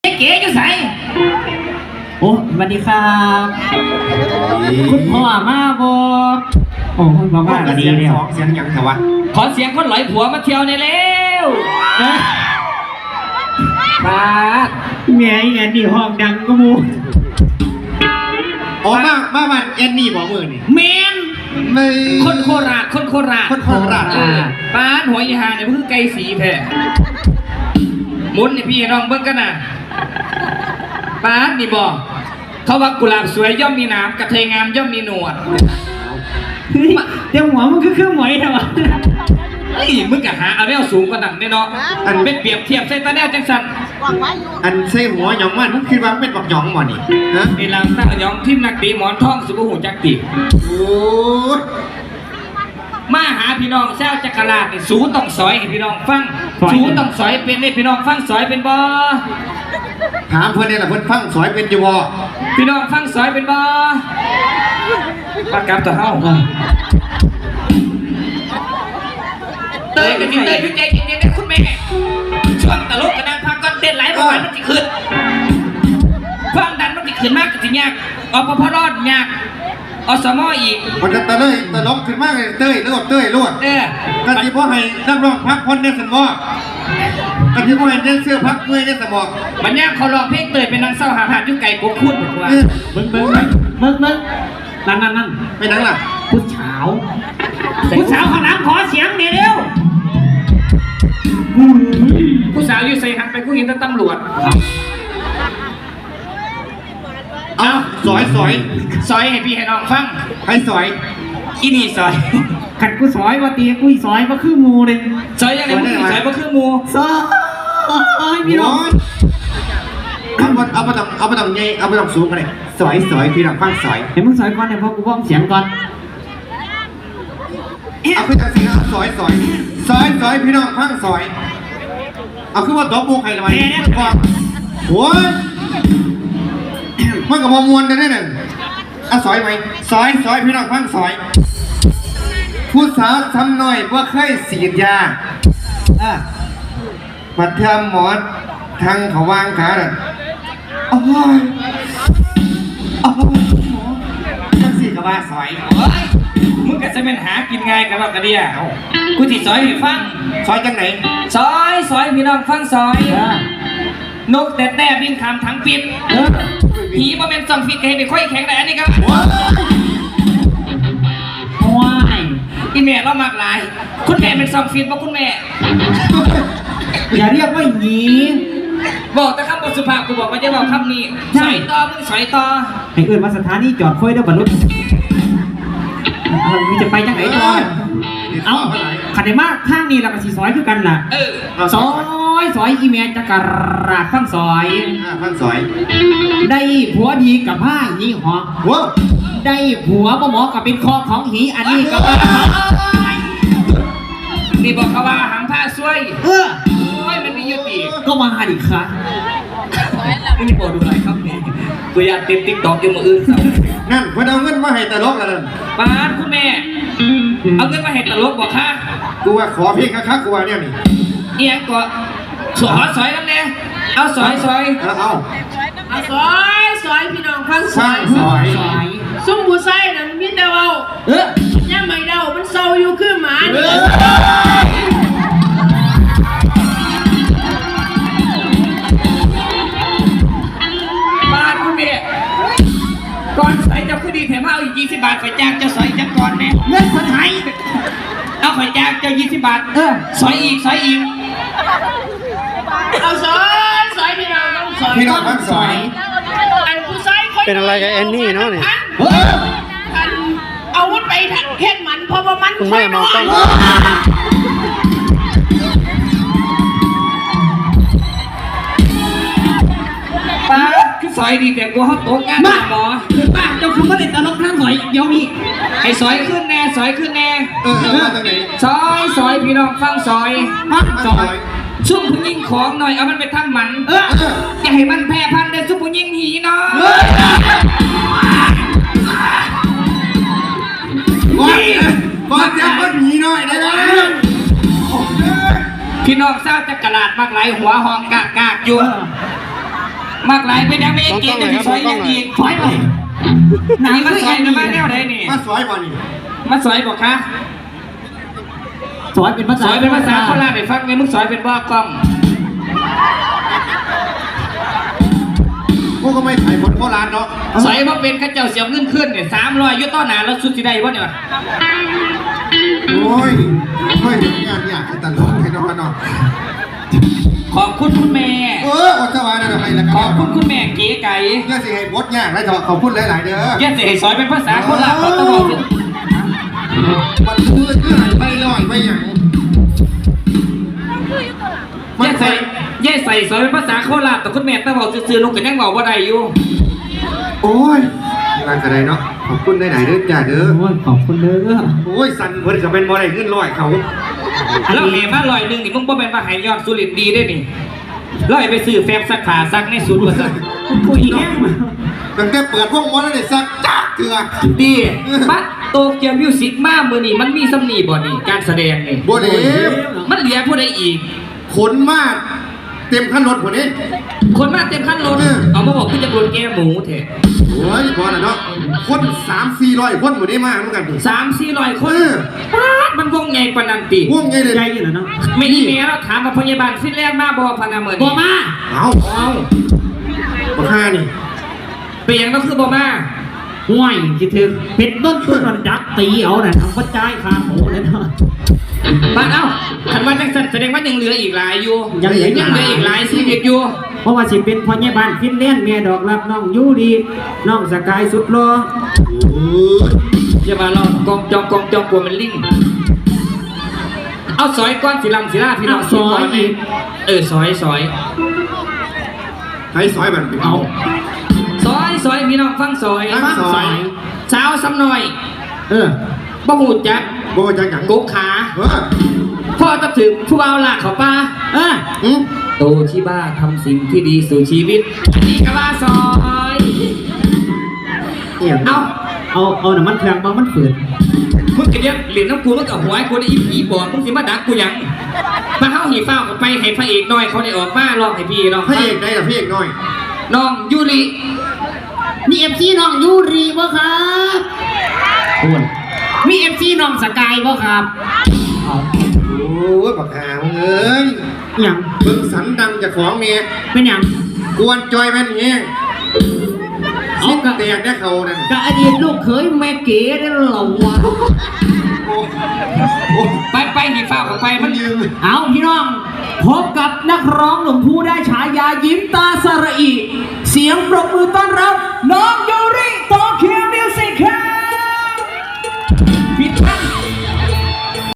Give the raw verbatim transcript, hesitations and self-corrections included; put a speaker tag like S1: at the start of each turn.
S1: เก๋อยู่ใส่โอ้สวัสดีครับคุณพ่อมาบอโอ้คุณพ่อมาก็ดีเลย
S2: เสียงอย่างแต่ว่า
S3: ขอเสียงคนหลอยผัวมาเที่ยวในเร็วนะป้า
S1: เมียไอ้นี่ห้องดังก็มู
S2: อ๋อมามามันเอ็นนี่บอกมือนี่
S1: เมน
S3: คนโคราชคนโคราช
S2: คนโคราช
S3: ป้าหัวอีหาเนี่ยมันคือไก่สีแท้มุนนี่พี่น้องเบิ้งกันนะป้านี่บอกเขาว่ากุหลาบสวยย่อมมีน้ำกระเทยงามย่อมมีหนวด
S1: เดี๋ยวหัวมันคือเครื่องหมอยทำไม
S3: ไอ้มึงกะหาเอาแนวสูงกว่านั้นแน่นอนอันเป็นเปรียบเทียบใส่ตาแนวจังสัน
S2: อันใส่หัวหยองมันมึงคิดว่าเป็นบักหยองบ่นี่
S3: นะเวลาตั้งหยองทิมนักตีหมอนทองสุภหูจักตี
S2: โอ้
S3: มาหาพี่น้องเจ้าจักรราชนี่สูต้องสอยให้พี่น้องฟังสูต้องสอยเป็นให้พี่น้องฟังสอยเป็นบ่
S2: ถามเพื่อนนี่แหละเพื่อนฟังสอยเป็นอยู่บ่
S3: พี่น้องฟังสอยเป็นบ่ปากกาตัวเฮาเตยกันเตยยุ่งใจเย็นๆนะคุณแม่ช่วงตลกกันนะพักก่อนเต้นหลายบ่อยมันจะขึ้นความดันมันจะขึ้นมากกับที่ยากอพพรอดยากอสมออีก
S2: มันจะตะเลยตะลบขึ้นมากเลยเต้ยลวดเต้ยลวด
S3: เออ
S2: กันที่พ่อให้นักร้องพักคนในสมองกันที่พ่อให้เล่นเสื้อพักเมื่อยในสมอง
S3: มันยากเขาลองเพลงเตยเป็นนางเศร้าหาหาดยุ่งไก่โกคุ้นบอกว่า
S1: เบิ้งเบิ้งเบิ้งเบิ้งนั่นนั่นนั่น
S2: ไปนั่งล่ะ
S1: ผู้สาวผู้สาวข้างหลังขอเสียงเดี๋ยวเร็ว
S3: ผู้สาวอยู่ใส่หันไปผู้หญิงตำรวจ
S2: เอาสอยสอย
S3: สอยให้พี่ให้น้องฟัง
S2: ให้สอย
S3: อีนี่สอย
S1: ขัดกูสอยว่าตีกูสอยว่าคือมูเลย
S3: สอยยังไงมึงสอยว่าคือมู
S1: สอยพี่น้อง
S2: เอาไปเอาไปทำเอาไปทำไงเอาไปทำสูงกันเลยสอยสอยพี่น้องฟังสอย
S1: เห็นมึงสอยก่อนเนี่ยพอกูฟ้องเสียงก่อน
S2: เอาไปทำเสียงสอยสอยสอยสอยพี่น้องฟังสอยเอาขึ้นว่าตัวบุกใครละมั้ยโอ้ยมันกับมวลกันได้หนึ่งอ่ะสอยไหมสอยสอยพี่น้องฟังสอยผู้สาวทำหน่อยว่าเคยสีดยาอ่ะมาทำหมอทางเขาวางขาน่ะโอ้ยโอ้ยหมอจังสีกับว่าสอย
S3: มึงก็จะเป็นหากินง่ายกันหรอกกระเดียกูที่สอยให้ฟัง
S2: สอยจังไหน
S3: สอยสอยพี่น้องฟังสอยนกแต่แต่บินขามทั้งปิดผีมาเป็นสองฟิตให้ไปค่อยแข็งแต่อันนี้ครับ
S1: ว้าย
S3: อีแม่เรามากลายคุณแม่เป็นสองฟิตเพราะคุณแม่
S1: อย่าเรียกว่าหยี
S3: บอกแต่คำบทสุภาพกูบอกว่าจะบอกคำนี้สอยต่อมึงสอยต่อ
S1: ให้เอื่นมาสถานีจอดค่อยได้บรรลุมึงจะไปจังไหนต่อเอาขันได้มากข้างนี้เราก็สีซอยคือกันล่ะซอยซอยอีเมลจะกระราข้างซอย
S2: ข้างซอย
S1: ได้ผัวดีกับผ้าหีหอ
S2: ว้า
S1: ได้ผัวบ่หมอกับเป็นคอของหีอันนี้ก็ว่า
S3: นี่บอกเขาว่าหางผ้าช่วย
S1: เออ
S3: ช่วยมันมียุติ
S1: ก็มาหาดิค่ะ
S3: นี่บอกดูอะไรครับนี่ตัวอยากติดติ๊กตอกอยู่มืออื่น
S2: นั่นเพื่อนเอาเงินมาให้ตลกกันเลย
S3: ป้าคุณแม่เอาเงินมาให้ตลกบอกค่ะ
S2: กูว่าขอเพียงคักๆกูว่าเนี่ยนี่
S3: เอียงก็สอยสอยนั่นแน่เอาสอยสอย
S2: เอาเอา
S4: เอาสอยสอยพี่น้องฟัง
S2: สอยสอย
S4: ซุ้มผู้ใส่น่ะมันมีแต่เว้า
S1: เอ
S4: อย่าไม่เดามันเศร้าอยู่คือหมานี่
S3: ป้าคุณแม่ก่อนใส่เจ้าคือดีแถมเอาอีกยี่สิบบาทไปจ้างเจ้าสอยจังก่อนแน่
S1: เงินคนไทย
S3: เอาไปจ้างเจ้ายี่สิบบาท
S1: เออ
S3: สอยอีกสอยอีก
S4: เอาสอยสอยพี่น้องต้องสอย
S2: พี่น้องต้องสอย
S4: อันผู้ใส่
S5: เป็นอะไรกับแอนนี่เนาะเนี่ย
S4: อันเอาวุธไปเฮ็ดมันเพราะว่ามัน
S5: คุณแม่มองต้อง
S3: ป้าคือซอยดีแต่กูเขาโต๊ะงานหมอ
S1: ป้าเจ้าคุณก็เด็ดตลกข้างซอยเดี๋ยวมี
S3: ไอ้ซอยขึ้นแน่ซอยขึ้นแน่
S2: เออมาตรงไหน
S3: ซอยซอยพี่น้องฟังซอย
S1: ซอย
S3: ซุ่มผู้ยิงของหน่อยเอามันไปทำหมัน
S1: เออ
S3: อย่าให้มันแพร่พันธุ์เด้ซุ่มผู้ยิงหีเนาะ
S2: ก่อนจะก็หนีหน่อยได้ไหม
S3: พี่น้องเศร้าจะกระลาดมากไหลหัวหองกากกากอยู่มากหลายเป็นยังไม่เก่งจะซอยยังอีก
S1: ถอยไป
S3: หนังมันซอยนะมาแนวไหนนี่
S2: มาซอยบ่นี่
S3: มาซอยบอกคะ
S1: สอยเป็นภา
S3: ซ
S1: ษา
S3: อยเป็นภาษาโคราชได้ฟังไหมมึงซอยเป็นว่ากล้อง
S2: พวกก็ไม่ถ่ายคนโคราชเนาะ
S3: ซอยว่าเป็นข้าเจ้าเสียเงินขึ้นเนี่ยสามร้อยยุต้อหนาแล้วสุดสิได้วะเนี่ย
S2: โอ้ยโอ้ยงานยากตลอดให้น้องกันเนาะ
S3: ขอบคุณคุณแม่
S2: เอออดสวายนะทำไมล่ะ
S3: ขอบคุณคุณแม่เก๋ไก่
S2: ย่าสิให้บดยากได้เถอะขอบคุณหลายๆเด้อ
S3: แย่เสียซอยเป็นภาษาโคราชเขาต้องบอก
S2: มันคือเงื่อนไปลอยไปอย่าง
S3: แย่ใส่แย่ใส่ซอยเป็นภาษาโคราชแต่คุณแม่ต้องบอกซื่อๆลูกกันยังบอกว่าได้อยู่
S2: โอ้ยงานกระไดเนาะขอบคุณหลายๆเด้อจ้าเด้อ
S1: โอ้ยขอบคุณเด้อ
S2: โอ้ยสั่นเพิ่นก็เป็นบ่ได้ขึ้นลอยเขา
S3: แล้วเหมาลอยหนึ่งนี่มึงบ่เป็นมาหายยอดสุรินทร์ดีได้นี่ลอยไปซื้อแฟบสักขาสักในศูนย์ว่าสัก
S1: คุยแห้งมา
S2: ตั้งแต่เปิดพวกมอนั่นได้สักจักเถื่อ
S3: ดีบัดโตเกียวมิวสิกมามือนี่มันมีสำนีบ่นี่การแสดงนี่
S2: บ่ได้
S3: มันเหลือผู้ใดอีก
S2: ขนมากเต็มคันรถพุ่นนี้
S3: คนมาเต็มขั้นรถเอามาบอกคุณจะโดนแก้หมูเถอะ
S2: โอ้ยพอแล้วเนาะคนสามสี่ร้อยคนพุ่นนี้มาเหมือนกัน
S3: สามสี่ร้อยคน
S2: เออ
S3: ป๊าดมันวงใหญ่ปานนันติ
S2: วงไงเลย
S1: ใจอยู่แล้วเนาะ
S3: ไม่อีเมลแล้วถามมาพยาบาลฟินแลนด์มาบอพนาเมือ
S1: บ่
S3: นี่
S1: มา
S2: เอา
S3: เอา
S2: บักฮานี่
S3: เปลี่ยนก็คือบอมา
S1: ห่วยคิดถึงเป็ดต้นตัวมันดักตีเอาน่ะทำวัดใจคาโหเลยเนาะ
S3: บ้านเอ้าคันว่าจังสันแสดงว่ายังเหลืออีกหลายอยู่
S1: ยังเหลืออีก
S3: ยังเหลืออีกหลายชีวิตอยู่
S1: เพราะว่าสิเป็นพ่อใหญ่บ้านฟินแลนด์เมียดอกรับน้องยูดีน้องสกายสุดรอ
S2: โอ้ย
S3: อย่ามาลองกองจองกองจองกลัวมันลิงเอาซอยก้อนสีลำสีลาพี่น้องก่นเลยเออซอยซอย
S2: ให้ซอยมัน
S3: เอา ซอยซอยพี่น้องฟังซอย
S2: ฟังซอย
S3: สาวซ้ำหน่อย
S1: เออ
S3: บ่หูจัก
S2: บ่จังหยัง
S3: กกขา
S2: เออ
S3: พ่อตับถึงผู้บ่าวหลากเขาป้า
S1: เออ
S2: อืม
S3: โตที่บ้าทำสิ่งที่ดีสู่ชีวิตอันนี้ก็ว่าซอย
S1: เอี่ยม
S3: เอา
S1: เอาเอาน้ำมันเครื่องมามันฝืน
S3: มึงกระเดียบเหรียญน้ำกูมึงกับหัวไอ้กูได้อีผีบอดมึงสิมาดักกูหยังมาเข้าหีฟ้ากับไปให้พระเอกหน่อยเขาได้ออกมาลองให้พี่ลอง
S2: พระเอกได้ล่ะพระเอกน้อย
S3: น้องยูริ
S1: มีเอฟซีน้องยูรีบ่ครับคุณมีเอฟซีน้องสกายบ่ครับเอา
S2: โอ้ยบักฮามึงเอ้ย
S1: อย่าง
S2: เบิ่งสันดังจากของเมีย
S1: เป็นอย่าง
S2: กวนจอยแม่นเงี้ย
S1: เอา
S2: สิ้น
S1: กะ
S2: แตกได้เขานั่น
S1: กะอดีตลูกเขยแม่เก๋ได้เหรอวะ
S2: โอ้โอ้
S3: ไปไปหีฟ้ากับไป
S2: มั
S3: มัน น
S2: ยืม
S1: เอาพี่น้องพบกับนักร้องหนุ่มผู้ได้ฉายายิ้มตาสระอีเสียงปรบมือต้อนรับน้อง